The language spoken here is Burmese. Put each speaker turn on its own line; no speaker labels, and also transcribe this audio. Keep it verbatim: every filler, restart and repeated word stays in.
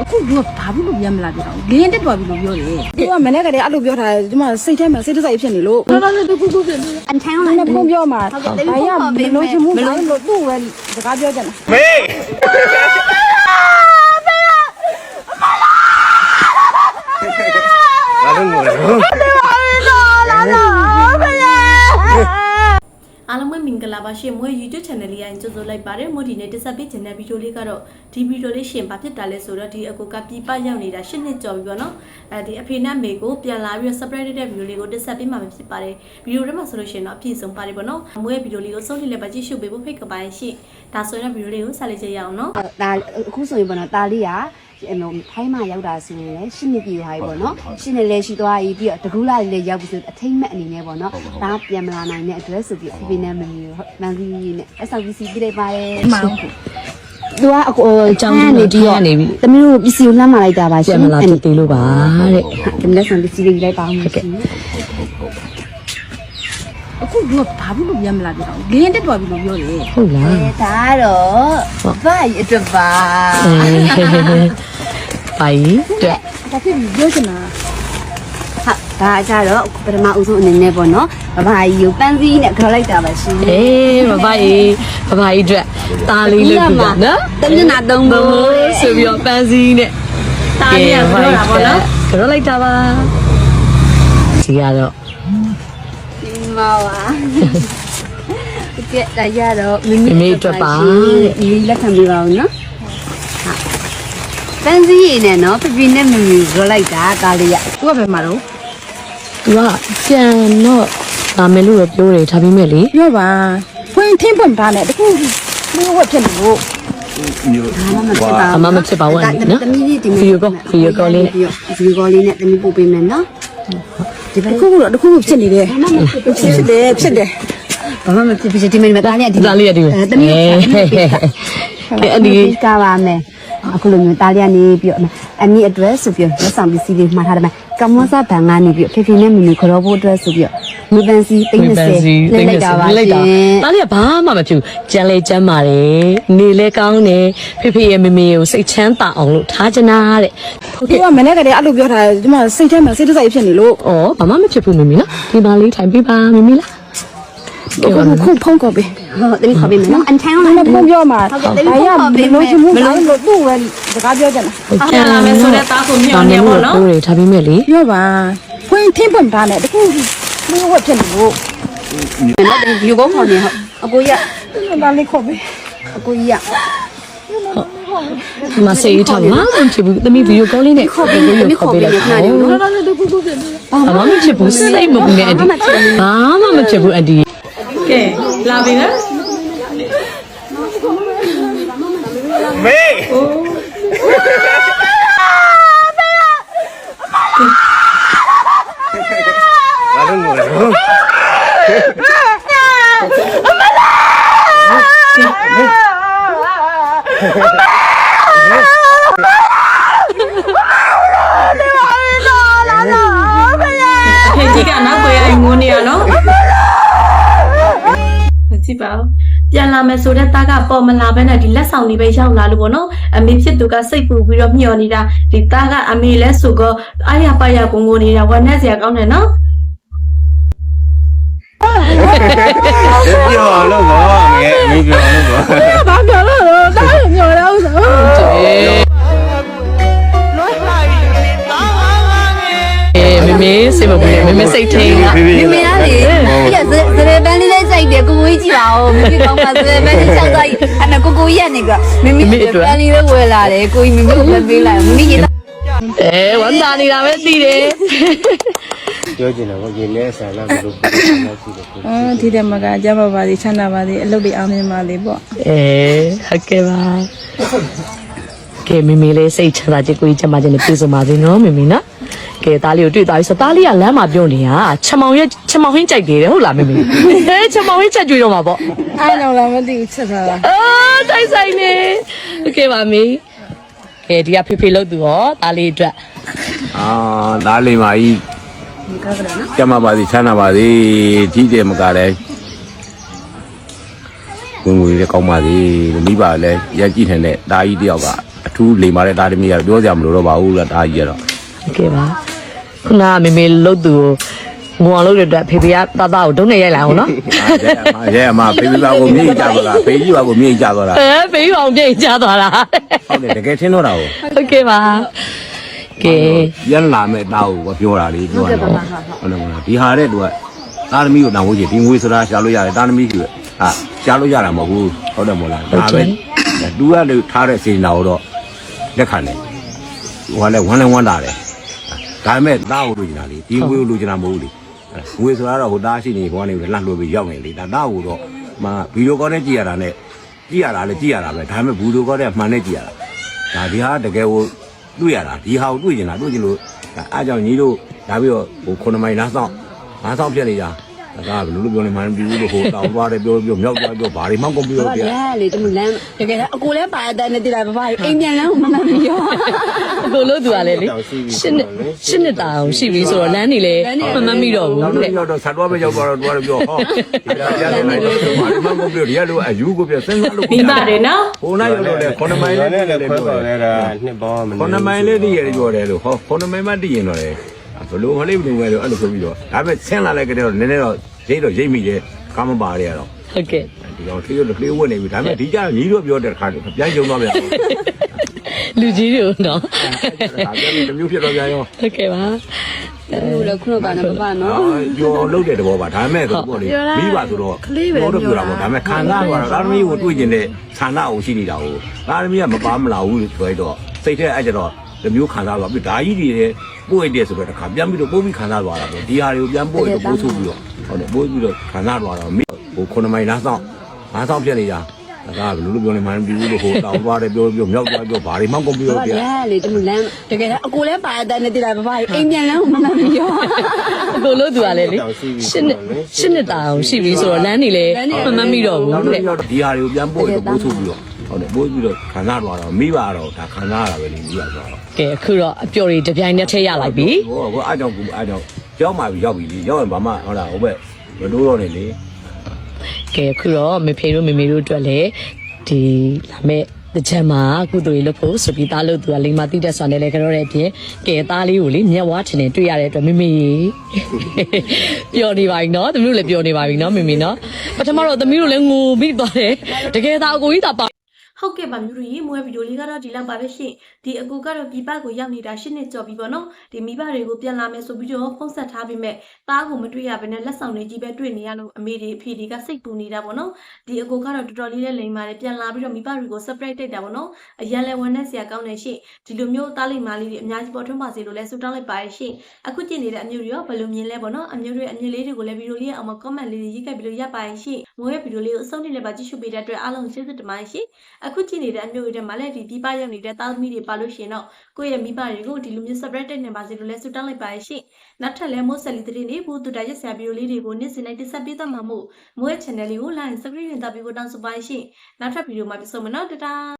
အခုကဘာဖြစ်လို့ပြန်မလာပြတော့လင်းတက်သွားပြီလို့ပြောတယ်သူကမနေ့ကတည်းကအဲ့လိုပြောထားတယ်ဒီမှာစိတ်ထဲမှာစိတ်တစိုက်ဖြစ်နေလို့တော်တော်လေးခုခုဖြစ်နေအန်ထိုင်းလည်းဖုန်းပြောမှာဘာရမလို့ချင်မှုမလို့သူ့ပဲစကားပြောကြတယ်မေ
လာလို့ငိုတယ်
အားလုံးပဲမင်္ဂလာပါရှင်မွေး YouTube channel လေးအရင်ကြိုဆိုလိုက်ပါတယ်မို့ဒီနေ့တက်ဆက်ပေးခြင်းတဲ့ဗီဒီယိုလေးကတော့ဒီဗီဒီယိုလေးရှင်ဘာဖြစ်တာလဲဆိုတော့ဒီအကူကပြပရောက်နေတာရှစ်နှစ်ကျော်ပြီပေါ့နော်အဲဒီအဖေနဲ့မေကိုပြန်လာပြီးတော့ surprise တဲ့ဗီဒီယိုလေးကိုတက်ဆက်ပေးမှာဖြစ်ပါတယ်ဗီဒီယိုထဲမှာဆိုလို့ရှိရင်တော့အပြည့်စုံပါတယ်ပေါ့နော်မွေးဗီဒီယိုလေးကိုဆုံးဖြတ်လိုက်ပါကြည့်ရှုပေးဖို့ဖိတ်ကပါရဲ့ရှင်ဒါဆိုရင်ဗီဒီယိုလေးကိုဆက်လက်ကြည့်ရအောင်နော်
ဒါအခုဆိုရင်ပေါ့နော်တာလေးကထိုင်းမှာရောက်တာဆိုရင်လည်းရှင်းနေပြီဟာပေါ့နော်ရှင်းနေလဲရှိသွားပြီပြီးတော့တကူလာလေးလည်းရောက်ပြီဆိုအထိမ့်မဲ့အနေနဲ့ပေါ့နော်ဒါပြန်မလာနိုင်တဲ့အတွက်ဆိုပြီးဖိဖိနဲ့မမီမန်ကြီးနဲ့ S R V C ပြလိုက်ပါရဲ့မှန်သူကအကိုအကြောင်းနေတီးရနေပြီတမီးတို့ပစ္စည်းကိုလှမ်းမလိုက်တာပါရှင်ပြန်မလာတေးလို့ပါတဲ့ဒီလက်ဆောင်ပစ္စည်းလေးလိုက်ပါဦးဟုတ်ကဲ့
အခုကဘာဖြစ်လို့ပြန်မလာပြတော့လင်းတက်သွားပြီလို့ပြောတယ်
ဟုတ်လားဒါတော့ဘာအတွက်ပါ
ပိုင်တဲ့
ဒါဖြစ်ပြီးပြောချင်တာ
ဟာဒါကြတော့ပထမဦးဆုံးအနေနဲ့ပေါ့နော်ဘဘကြီးကိုပန်းစည်းနဲ့ခေါ်လိုက်တာပါရှင်
အေးဘဘကြီးဘဘကြီးအတွက်ตาလေးလုပ်ပြတာနော်
တမျက်နှာသုံးဖို့
ဆိုပြီးတော့ပန်းစည်းနဲ့ตาလေးကခေါ်တာပေါ့နော်ခေါ်လိုက်တာပါဒီကတော့
ဒီမောပါကဲဒါရတော့မမီ
မေအတွက်ပါ
ဒီလက်ခံပေးပါဦးနော်ပန်းစည်းရည်နဲ့နော်ပြပြနဲ့မမီရောလိုက်တာကားလေးရ
သူကဘယ်မှာတော့
သူကပြန်တော့ဒါမယ်လို့ပြောတယ်ဒါပေမဲ့လေ
ပြောပါဖွင့်ထင်းဖွင့်ပါနဲ့တခုမျိုးဝက်ဖြစ်နေလို့
အမမဖြစ်ပါဘူးနော်
တမီးလေးဒီ
ဗီဒီယိုကောဗီဒီယိုကောလေးနဲ့
ဗီဒီယိုကောလေးနဲ့တမီးပို့ပေးမယ်နော်
ဒီဘက်ခုကတော့တခုဖြစ်နေတယ်ဖြစ်တယ်ဖြစ်တယ်
ဘာမှမဖြစ်ဖြစ်ဒီမင်းမသားလေးကဒီ
သားလေးကဒီ
တမီး
ကဲအဒီ
ကပါမယ်အခုလိုမျိုးတားလျနေပြီးတော့အနည်းအတွက်ဆိုပြီးလက်ဆောင်ပစ္စည်းလေးမှာထားတယ်မှာကမ္ဘောဇဘန်ကနေပြီးဖေဖေနဲ့မမီခေါ်ဖို့အတွက်ဆိုပြီးမီပန်စီသိန်း30လက်လိုက်တာပါရှင်
တားလျဘာမှမဖြစ်ဘူးကြမ်းလေကြမ်းပါတယ်နေလဲကောင်းတယ်ဖေဖေရဲ့မမီကိုစိတ်ချမ်းသာအောင်လို့ထားချင်တာတဲ့
ဟုတ်ကဲ့မနေ့ကတည်းကအဲ့လိုပြောထားတယ်ဒီမှာစိတ်ထဲမှာစိတ်တစိုက်ဖြစ်နေလို့
ဩဘာမှမဖြစ်ဘူးမမီနော်ဒီပါလေးထိုင်ပေးပါမမီလား
ခုဖုန်းကောပေး
ဟုတ်တယ်ခေါ်ပေးမယ်နော်အန်ထိုင်း
လည်းဖုန်းပြောမှာဘာရမလို့ချင်မှုမလို့သူ့ပဲစကားပြောကြတယ်
ပြန်လာမယ်ဆိုတဲ့တားကိုမြောင်းနေပေါ့နော်ဟုတ်တယ်ဒါပေမဲ့လေ
ပြောပါဖွင့်ထင်းဖွင့်ပါနဲ့တခုမျိုးဝက်ဖြစ်နေလို့
နော်ဒီယူကောခေါ်နေဟုတ်အကိုရ
ဒါလေးခေါ်ပေး
အကိုရ
မဆေးထားမှာမဖြစ်ဘူးသမီးဗီဒီယိုကောလေးနဲ့ခေါ်ပေးလို့ခေါ်ပေးလိုက်တာ
တော်တော်လေးတခုခုဖြစ်နေ
ဘာမှမဖြစ်ဘူးစိတ်မပူနဲ့အဒီဘာမှမဖြစ်ဘူးအဒီကဲလာပြီနော်
မေလာလို့ငိုတယ်
အမလာ
ဖေကြီးကနောက်ကိုရငိုနေရနော်ကြည့်ပါဦးပြန်လာမယ်ဆိုတဲ့သားကပေါ်မလာဘဲနဲ့ဒီလက်ဆောင်လေးပဲရောက်လာလို့ပေါ့နော်အမေဖြစ်သူကစိတ်ပူပြီးတော့မျှော်နေတာဒီသားကအမေလဲဆိုတော့အားရပါရကိုငိုနေတာဝမ်းနဲ့စရာကောင်းတယ်နော်
ပြောလို့ပါငယ်မင်းပြောလို့ပါ
ဘာပြောလို့တားမျောတော့ဆို
မေမေစိတ်မပူနဲ့မေမေစိတ်ထိန်က
မေမေလားလေပြဇဇရေပန်းလေးလေးစိုက်တယ်ကိုကိုကြီးကြည့်ပါဦးမေကောင်းပါဇရေပန်းလေးချောက်သားကြီးအဲ့ဒါကိုကိုကြီးကနေကမေမေပန်းလေးလေးဝယ်လာတယ်ကိုကြီးမေမေကိုပဲပေးလိုက်မေမေရေ
အဲဝမ်းသာနေတာပဲသိတယ်
ပြောချင်တယ်ကိုရေလဲဆန်လာလို့ပြောနေတာရှိတယ်
အော်ဒီတဲ့မကကြပါပါသေးချမ်းသာပါသေးအလုပ်တွေအောင်မြင်ပါသေးပေါ့
အဲဟုတ်ကဲ့ပါကဲမေမေလေးစိတ်ချမ်းသာကြကိုကြီးချမ်းသာခြင်းနဲ့ပြေဆုံးပါစေနော်မေမေနော်ကဲသားလေးကိုတွေ့သွားပြီဆိုသားလေးကလမ်းမှာပြုံးနေတာချက်မောင်ရဲ့ချက်မောင်ဟင်းကြိုက်တယ်ဟုတ်လားမေမေဟဲချက်မောင်ဟင်းချက်ကြွေးတော့မှာပေါ့
အဲ့တော့လည်းမသိဘူးချက်ထားတာ
အော်တိုက်ဆိုင်နေโอเคပါမေကဲဒီကဖေဖေလို့သူရောသားလေးအတွက်
အာသားလေးမကြီးကျမပါစီချမ်းသာပါစေကြီးတယ်မကလည်းဝင်ဝင်လည်းကောင်းပါစေမိပါလည်းရကြည့်ထန်တဲ့သားကြီးတယောက်ကအထူးလိမ်မာတဲ့တာသမီးကတော့ပြောစရာမလိုတော့ပါဘူးလားတာကြီးကတော့
โอเคပါခုနကမေမေလုတ်သူငုံအောင်လုပ်တဲ့အတွက်ဖေဖေကတသားကိုဒုံးနေရိုက်လိုက်အောင်နော်
ရဲအမဖေဖေပါကိုမြေကြီးကြသွားတာဖေကြီးပါကိုမြေကြီးကြသွားတာ
အဲဖေးအောင်ပြိတ်ချသွားတာ
ဟုတ်တယ်တကယ်ထင်တော့တာကို
โอเคပါကဲ
ရန်လာမဲ့တာကိုပြောတာလေပြောတာဟုတ်တယ်မလားဒီဟာတဲ့သူကတာသမီးကိုတောင်းဖို့ချင်ဒီငွေဆိုတာရှာလို့ရတယ်တာသမီးကြီးဟာရှာလို့ရတာမဟုတ်ဘူးဟုတ်တယ်မို့လားဒါပဲသူကလေထားတဲ့စေနာကိုတော့လက်ခံတယ်ဟိုကလည်းဝမ်းလည်းဝမ်းတာတယ်ဒါပေမဲ့တာကိုလိုချင်တာလေဒီငွေကိုလိုချင်တာမဟုတ်ဘူးလေငွေဆိုတာတော့ဟိုတားရှိနေဘောနေလှလှလို့ပြီးရောက်နေလေဒါတာကိုတော့မဗီဒီယိုကောနဲ့ကြည့်ရတာနဲ့ကြည့်ရတာလည်းကြည့်ရတာပဲဒါပေမဲ့ဗီဒီယိုကောနဲ့မှန်နဲ့ကြည့်ရတာဒါဒီဟာတကယ်ကိုတွေ့ရတာဒီဟာကိုတွေ့ကျင်တာတွေ့ကျင်လို့အားကြောင့်ညီတို့ဒါပြီးတော့ဟိုခုနမိုင်လားဆောင်ငါးဆောင်ပြက်နေကြဒါကဘယ်လိုလုပ်ပြောနေမှန်းမသိဘူးလို့ဟိုတောင်းသွားတယ်ပြောပြောမြောက်သွားပြောဘာတွေမှကုန်ပြောပြ
ရဲလေတမလန်းတကယ်အကိုလည်းပါတဲ့နဲ့တည်လာပါပါအိမ်ပြန်လန်းမမမရော
အကိုလို့သူကလည်းလေရှင်းရှင်းနေတာအောင်ရှိပြီဆိုတော့လမ်းနေလေမမမိတော့ဘူး
နောက်
တဲ့
တော့တော့ဆက်သွားပဲရောက်သွားတော့တွားတော့ပြောဟောဒီကပြရတယ်လိုက်တော့ဘာမှကုန်ပြောဒီကလိုအယူကိုပြစဉ်းစားလို့
မိပါတယ်နော်
ဟိုနိုင်တော့လေခုနမိုင်လေးလည်းလည်းပြောတယ်
နှစ်ပေါင်းမ
ခုနမိုင်လေးတည်ရတယ်ပြောတယ်လို့ဟောခုနမိုင်မှတည်ရင်တော့လေဘလို့မလေးဘလို့ပဲလို့အဲ့လိုဆိုပြီးတော့ဒါပေမဲ့ဆင်းလာလိုက်ကြတော့နည်းနည်းတော့ရိတ်တော့ရိတ်မိတယ်ကားမပါရရတော့
ဟုတ်ကဲ့
ဒီကောင်သေးတော့ကလေးဝတ်နေပြီဒါပေမဲ့ဒီကြညီတို့ပြောတဲ့ခါကျပြန်ကြုံသွားပြန်
လူကြီးတွေနော်
ဒါပြန်ပြီးတစ်မျိုးဖြစ်တော့ပြန်ရော
ဟုတ်ကဲ့ပါ
ဘူးလေခုနကပါနော်ပါနော်
ကျော်လုတ်တဲ့တဘောပါဒါပေမဲ့ဆိုပေါ့လေမိပါဆိုတော့တော့ပြောတာပေါ့ဒါပေမဲ့ခံစားသွားတာဒါသမီးကိုတွေ့ကျင်တဲ့ဆန္ဒအောင်ရှိနေတာကိုဒါသမီးကမပါမလာဘူးလို့ပြောတော့စိတ်ထဲအဲ့ကျတော့ဒီမျိုးခံစားသွားပြီးဒါကြီးတွေပို့ရတဲ့ဆိုတော့တခါပြန်ပြီးတော့ပို့ပြီးခံစားသွားတာပေါ့ဒီဟာတွေကိုပြန်ပို့ရတော့ပို့ဆိုပြီးတော့ဟုတ်တယ်ပို့ပြီးတော့ခံစားသွားတော့မိဟိုခုနမိုင်လားဆောင်ငါးဆောင်ပြက်နေကြဒါကဘယ်လိုလုပ်ပြောနေမှန်းမသိဘူးလို့ဟိုတောင်းသွားတယ်ပြောပြောမြောက်သွားပြောဘာတွေမှကုန်ပြောပြ
ရဲလေတမလန်းတကယ်အကိုလည်းပါတဲ့နဲ့တည်လာပါပါအိမ်ပြန်လန်းမမမရော
အကိုလို့သူကလည်းလေရှင်းရှင်းနေတာအောင်ရှိပြီဆိုတော့လမ်းနေလေမမမိတော့ဘူး
နောက်
တဲ့
တော့ဒီဟာတွေကိုပြန်ပို့ရတော့ပို့ဆိုပြီးတော့ဟုတ်တယ်ပို့ပြီးတော့ခံစားသွားတော့မိပါတော့ဒါခံစားရတာပဲလေမိပါဆိုတော့
ကဲအခုတော့အပျော်တွေတစ်ပြိုင်တည်းထည့်ရလိုက်ပြီ
ဟိုဟိုအားကြောင့်ကူအားကြောင့်ရောက်မှပြီရောက်ပြီလေရောက်ရင်ဘာမှဟုတ်လားဟိုဘက်မတိုးတော့နေလေ
ကဲအခုတော့မေဖေတို့မေမေတို့အတွက်လည်းဒီလာမဲ့တကြံမှာကုသိုလ်ရေးလုပ်ဖို့ဆိုပြီးသားလို့သူကလိမ္မာတိတက်ဆွမ်းနေလေကြတော့တဲ့အပြင်ကဲသားလေးကိုလေမျက်ဝါးထင်နေတွေ့ရတဲ့အတွက်မေမေပျော်နေပါပြီနော်သမီးတို့လည်းပျော်နေပါပြီနော်မေမေနော်ပထမတော့သမီးတို့လည်းငိုပြီးသွားတယ်တကယ်သားအကိုကြီးသာပါ
ဟုတ်ကဲ့ပါမျိုးတို့ရေမွေးဗီဒီယိုလေးကတော့ဒီလောက်ပါပဲရှင်ဒီအကူကတော့ပြပကိုရောက်နေတာရှစ်နှစ်ကျော်ပြီပေါ့နော်ဒီမိဘတွေကိုပြန်လာမယ်ဆိုပြီးတော့ဖုန်းဆက်ထားပြီးမဲ့သားကိုမတွေ့ရဘဲနဲ့လက်ဆောင်တွေကြီးပဲတွေ့နေရလို့အမေတွေအဖေတွေကစိတ်ပူနေတာပေါ့နော်ဒီအကူကတော့တော်တော်လေးလေးလိမ်ပါတယ်ပြန်လာပြီးတော့မိဘတွေကို surprise တိတ်တာပေါ့နော်အရန်လဲဝန်နဲ့ဆရာကောင်းနေရှင်ဒီလိုမျိုးသားလိမ်မာလေးတွေအများကြီးပေါ်ထွန်းပါစေလို့လဲဆုတောင်းလိုက်ပါရရှင်အခုကြည့်နေတဲ့အမျိုးတွေရောဘယ်လိုမြင်လဲပေါ့နော်အမျိုးတွေအမြင်လေးတွေကိုလည်းဗီဒီယိုလေးရဲ့အောက်မှာ comment လေးတွေရေးခဲ့ပြီးလို့ရပါရရှင်မွေးရဲ့ဗီဒီယိုလေးကိုအဆုံးထိလည်းပါကြည့်ရှုပေးတဲ့အတွက်အားလုံးကျေးဇူးတင်ပါတယ်ရှင်အခုကြည့်နေတဲ့အမျိုးတွေမှာလည်းဒီပြပရောက်နေတဲ့သားသမီးတွေပါလို့ရှင်တော့ကိုယ့်ရဲ့မိဘတွေကိုဒီလိုမျိုး surprise တက်နေပါစေလို့လဲဆုတောင်းလိုက်ပါရရှင်နောက်ထပ်လည်းမိုးဆက်လီတဲ့နေဘူးတူတာရက်ဆရာဗီဒီယိုလေးတွေကိုနေ့စဉ်နဲ့တင်ဆက်ပေးသွားမှာမို့မိုးရဲ့ channel လေးကို like subscribe ရင်တပ်ပြီးကိုတောင်းဆိုပါရရှင်နောက်ထပ်ဗီဒီယိုမှာပြန်ဆုံမယ်နော်တတာ